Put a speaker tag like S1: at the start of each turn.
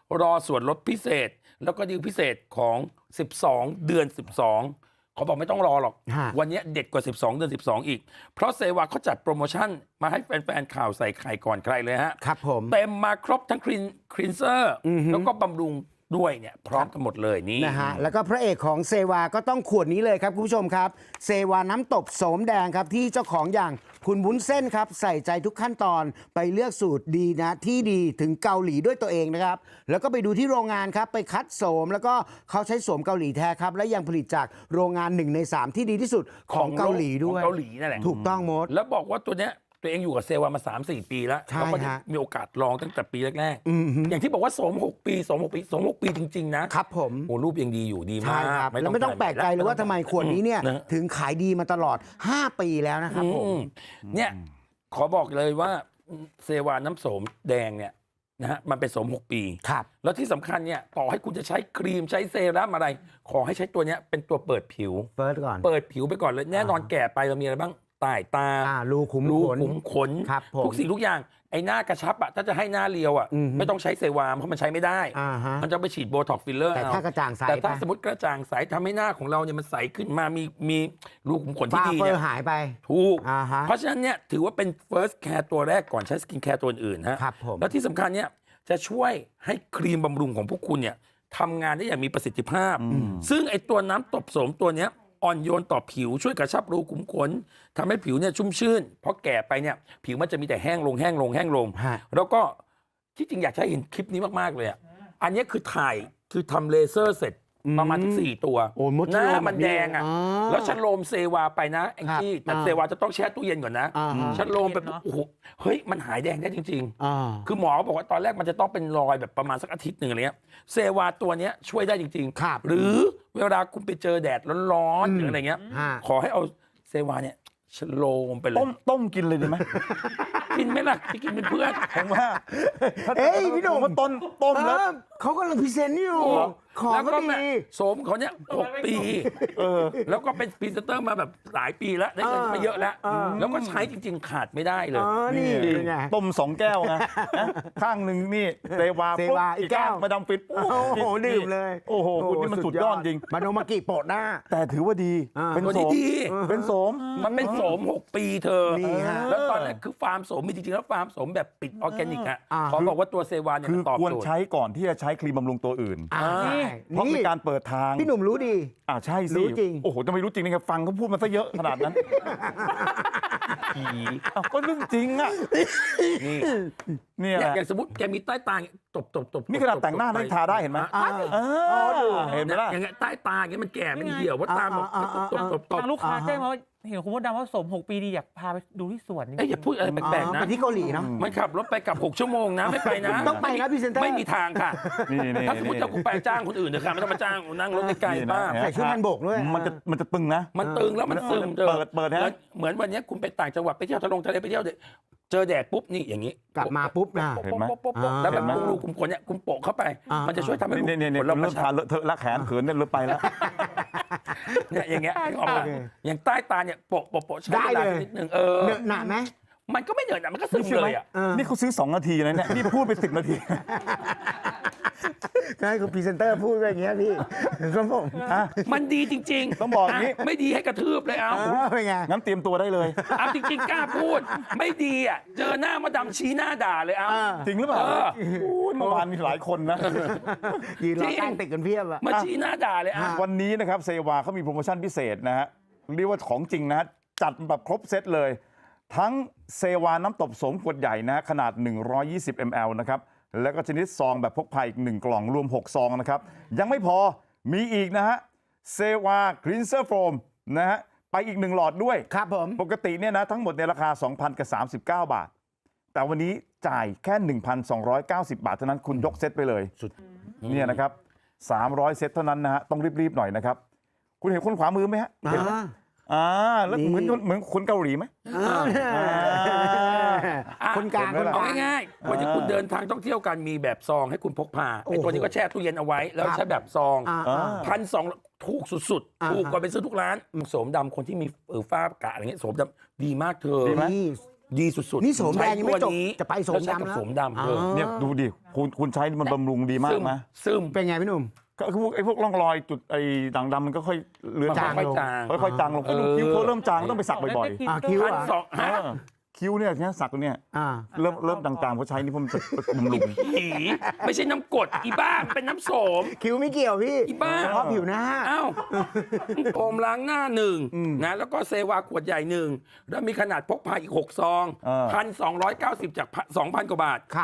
S1: รอส่วนลดพิเศษแล้วก็ดีลพิเศษของ12เดือน12เขาบอกไม่ต้องรอหรอกวันนี้เด็ดกว่า12เดือน12อีกเพราะเซวาเขาจัดโปรโมชั่นมาให้แฟนๆข่าวใส่ไข่ก่อนใครเลยฮะ
S2: ครับผม
S1: เต็มมาครบทั้งคลีนเซอร์แล้วก็บำรุงด้วยเนี่ยพร้อมกันหมดเลยนี่
S2: นะฮะแล้วก็พระเอกของเซวาก็ต้องขวดนี้เลยครับคุณผู้ชมครับเซวาน้ำตบโสมแดงครับที่เจ้าของอย่างคุณวุ้นเส้นครับใส่ใจทุกขั้นตอนไปเลือกสูตรดีนะที่ดีถึงเกาหลีด้วยตัวเองนะครับแล้วก็ไปดูที่โรงงานครับไปคัดโสมแล้วก็เขาใช้โสมเกาหลีแท้ครับและยังผลิตจากโรงงาน1 ใน 3ที่ดีที่สุดของเกาหลีด้วย
S1: ของเกาหลีนั่นแหละ
S2: ถูกต้องมด
S1: แล้วบอกว่าตัวเนี้ยตัวเองอยู่กับเซวามา 3-4 ปีแล้วแล้วก็มีโอกาสลองตั้งแต่ปีแรกๆอย่างที่บอกว่าสม6 ปีสม6 ปีจริงๆนะครับ
S2: ผม
S1: โอ้รูปยังดีอยู่ดีมาก
S2: แล้วไม่ต้องแปลกใจเลยว่าทำไมขวดนี้เนี่ยถึงขายดีมาตลอด5 ปีแล้วนะครับผม
S1: เนี่ยขอบอกเลยว่าเซวาน้ำโสมแดงเนี่ยนะฮะมันเป็นโสม6 ปี
S2: ครับ
S1: แล้วที่สำคัญเนี่ยต่อให้คุณจะใช้ครีมใช้เซรั่มอะไรขอให้ใช้ตัวเนี้ยเป็นตัวเปิดผิว
S2: เ
S1: ปิดผิวไปก่อนเลยแน่นอนแก่ไปเรามีอะไรบ้างใต้ตา
S2: รูขุม
S1: ขนทุกสิ่งทุกอย่างไอ้หน้ากระชับอ่ะถ้าจะให้หน้าเรียวอ่ะไม่ต้องใช้เซวามเพราะมันใช้ไม่ได้มันจะไปฉีดโบท็อกฟิลเลอร์
S2: แต่ถ้ากระจ่างใส
S1: แต่ถ้าสมมติกระจ่างใสทำให้หน้าของเราเนี่ยมันใสขึ้นมามีรูขุมขนที่ดีเนี่ย
S2: หายไป
S1: ถูกเพราะฉะนั้นเนี่ยถือว่าเป็น first care ตัวแรกก่อนใช้สกินแคร์ตัวอื่นฮะแล้วที่สำคัญเนี่ยจะช่วยให้ครีมบำรุงของพวกคุณเนี่ยทำงานได้อย่างมีประสิทธิภาพซึ่งไอ้ตัวน้ำตบโสมตัวเนี้ยอ่อนโยนต่อผิวช่วยกระชับรูขุมขนทำให้ผิวเนี่ยชุ่มชื่นเพราะแก่ไปเนี่ยผิวมันจะมีแต่แห้งลงแล้วก็ที่จริงอยากให้เห็นคลิปนี้มากๆเลยอ่ะอันนี้คือถ่ายคือทำเลเซอร์เสร็จประมาณทั้ง4 ตัวหน้ามันแดงอ่ะแล้วฉันโลมเซวาไปนะแองจี้แต่เซวาจะต้องแช่ตู้เย็นก่อนนะฉันโลมไปโอ้โหเฮ้ยมันหายแดงได้จริงๆคือหมอบอกว่าตอนแรกมันจะต้องเป็นรอยแบบประมาณสักอาทิตย์หนึ่งอะไรเงี้ยเซวาตัวเนี้ยช่วยได้จริง
S2: ๆ
S1: หรือเวลาคุณไปเจอแดดร้อนๆหรืออะไรเงี้ยขอให้เอาเซวาเนี่ยฉันโลมไปเลย
S3: ต้มกินเลยดีไหม
S1: กินไหมล่ะจะกินเป็นเพื่อน
S3: ผมว่า
S2: พี่หนุ่ม
S3: ว่าต้มแล้ว
S2: เขากำลังพรีเซนต์อยู่
S1: ของก็ดีโสมเขาเนี่ย6 ปีแล้วก็เป็นพรีเซนเตอร์มาแบบหลายปีแล้วได้เงินมาเยอะแล้วแล้วก็ใช้จริงๆขาดไม่ได้เลย
S2: นี่
S3: ต้ม2 แก้วนะข้างหนึ่งนี่เซวาอีกแก้วมาดามฟิน
S2: โอ้โหดื่มเลย
S3: โอ้โหคุณนี่มันสุดยอดจริง
S2: มาโนมากิโปะหน้า
S3: แต่ถือว่าดี
S1: เป็นโสม
S3: เป็นโสม
S1: มันเป็นโสม6 ปีเธอแล้วตอนนั้นคือฟาร์มโสมมีจริงๆแล้วฟาร์มโสมแบบปิดออร์แกนิกอ่ะขอบอกว่าตัวเซวาเนี่ยมันตอบโจทย์
S3: ควรใช้ก่อนที่จะใช้ครีมบำรุงตัวอื่นเพราะเป็นการเปิดทาง
S2: พี่หนุ่มรู้ดี
S3: ใช่สิ
S2: รู้จริง
S3: โอ้โหจะไม่รู้จริงนะครับฟังเขาพูดมาซะเยอะขนาดนั้นก็เรื่องจริงอ่ะนี่
S1: อย่างสมมติแกมีใต้ตาตบ
S3: นี่ขนาดแต่งหน้าได้ทาได้เห็นไหมเห็นไหมล่ะ
S1: อย่างเงี้ยใต้ตาอย่างเงี้ยมันแก่มันเหี่ยวว่าตาแบบ
S4: ทางลูกค้าแจ้งมาว่าเห็นคุณมดดำว่าสม6 ปีดีอยากพาไปดูที่สวน
S1: อย่าพูดอะไรแปลกๆนะ
S2: ไปที่เกาหลีเนาะ
S1: มันขับรถไปกลับ6 ชั่วโมงนะไม่ไปนะ
S2: ต้องไปนะพรีเซนเตอร์
S1: ไม่มีทางค่ะถ้าสมมติจะคุณไปจ้างคนอื่นเถอะค่ะไม่ต้องมาจ้างนั่งรถไกลๆบ้าง
S2: ใส่ชุดฮันบกด้วย
S3: มันจะตึงนะ
S1: มันตึงแล้วมันซึม
S3: เปิดนะ
S1: เหมือนวันนี้คุณไปต่างจังหวัดไปเที่ยวทะเลไปเที่ยวเจอแดดปุ๊บนี่อย่างนี้
S2: กลับมาปุ๊บนะ
S3: เห็นไหม
S1: แล้วแบบรูขุมขนเนี่ยคุณโปะเข้าไปมันจะช่วยทำให้รูขุมขน
S3: เราเริ่มทาเลอะเทอะละแขนเขินเนี่ยเริ่มไปแล้ว
S1: เนี่ยอย่างเงี้ยออกมาอย่างใต้ตาเนี่ยโปะใช้เวลานิดนึง
S2: เหนอะหนาไหม
S1: มันก็ไม่เหนอะมันก็ซึมเลยอ่ะ
S3: นี่เขาซื้อ2 นาทีนะเนี่ยนี่พูดไป10 นาที
S2: ให้คุณพรีเซนเตอร์พูดไปอย่างเงี้ยพี่ครับผม
S1: มันดีจริง
S3: ๆต้องบอกนี้
S1: ไม่ดีให้กระทืบเลยเอา
S2: เป็นไง
S3: งั้นเตรียมตัวได้เลย
S1: เอาจริงๆกล้าพูดไม่ดีอ่ะเจอหน้ามาดำชี้หน้าด่าเลยเอา
S3: จริงหรือเปล่าเมื่อวานมีหลายคนนะ
S2: ยืนรอตั้งติดกันเพียบ
S1: มาชี้หน้าด่าเลย
S3: วันนี้นะครับเซวาเขามีโปรโมชั่นพิเศษนะฮะเรียกว่าของจริงนะจัดแบบครบเซตเลยทั้งเซวาน้ำตบโสมขวดใหญ่นะขนาด120 ml นะครับแล้วก็ชนิดซองแบบพกพาอีก1 กล่องรวม6 ซองนะครับยังไม่พอมีอีกนะฮะเซวาคลีนเซอร์โฟมนะฮะไปอีก1 หลอดด้วย
S2: ครับผม
S3: ปกติเนี่ยนะทั้งหมดในราคา 2,039 บาทแต่วันนี้จ่ายแค่ 1,290 บาทเท่านั้นคุณยกเซตไปเลยสุดเนี่ยนะครับ300 เซตเท่านั้นนะฮะต้องรีบๆหน่อยนะครับคุณเห็นคนขวามือไหมฮะแล้วเหมือนคนเกาหลีไหม
S2: คนกลาง
S1: เอาง่ายๆวันนี้คุณเดินทางท่องเที่ยวกันมีแบบซองให้คุณพกพาไอ้ตัวนี้ก็แช่ตู้เย็นเอาไว้แล้วใช้แบบซอง1,200ถูกสุดๆถูกกว่าไปซื้อทุกร้านโสมดำคนที่มีฝ้ากระอะไรเงี้ยโสมดำดีมากเธอดีสุดๆ
S2: นี่โสมแดงยังไม่จบ
S1: ใช้ตัวนี้
S2: จะไปโสมดำ
S1: แล้
S2: แล้ว ว
S1: ใช้กับโสมดำ
S3: เนี่ยดูดิคุณใช้มันบำรุงดีมากไหม
S1: ซึม
S2: เป็นไงพี่หนุ่ม
S3: ก็คือไอ้พวกร่องรอยจุดไอ้ด่างดำมันก็ค่อยเลือน
S2: จาง
S1: ค่อยๆจาง
S3: ค่อยๆจางลงก็ดูคิ้วเขาเริ่มจางต้องไปสักบ่อย
S2: คิ้ว
S1: พัน
S2: อ่ะ
S1: สอง
S3: ๆ
S1: ฮะ
S3: คิ้วเนี่ยสักเนี่ย
S2: อ่า
S3: เริ่มจางๆเพราะใช้นี่เพราะมันจะบำรุง
S1: ผีไม่ใช่น้ำกรดอีบ้ามันเป็นน้ำโสม
S2: คิ้วไม่เกี่ยวพี่
S1: อีบ้า
S2: เฉพาะผิวหน้า
S1: อ้าวโฟมล้างหน้าหนึ่งนะแล้วก็เซวาขวดใหญ่หนึ่งแล้วมีขนาดพกพาอีก6 ซอง 1,290 จาก 2,000 กว่าบาท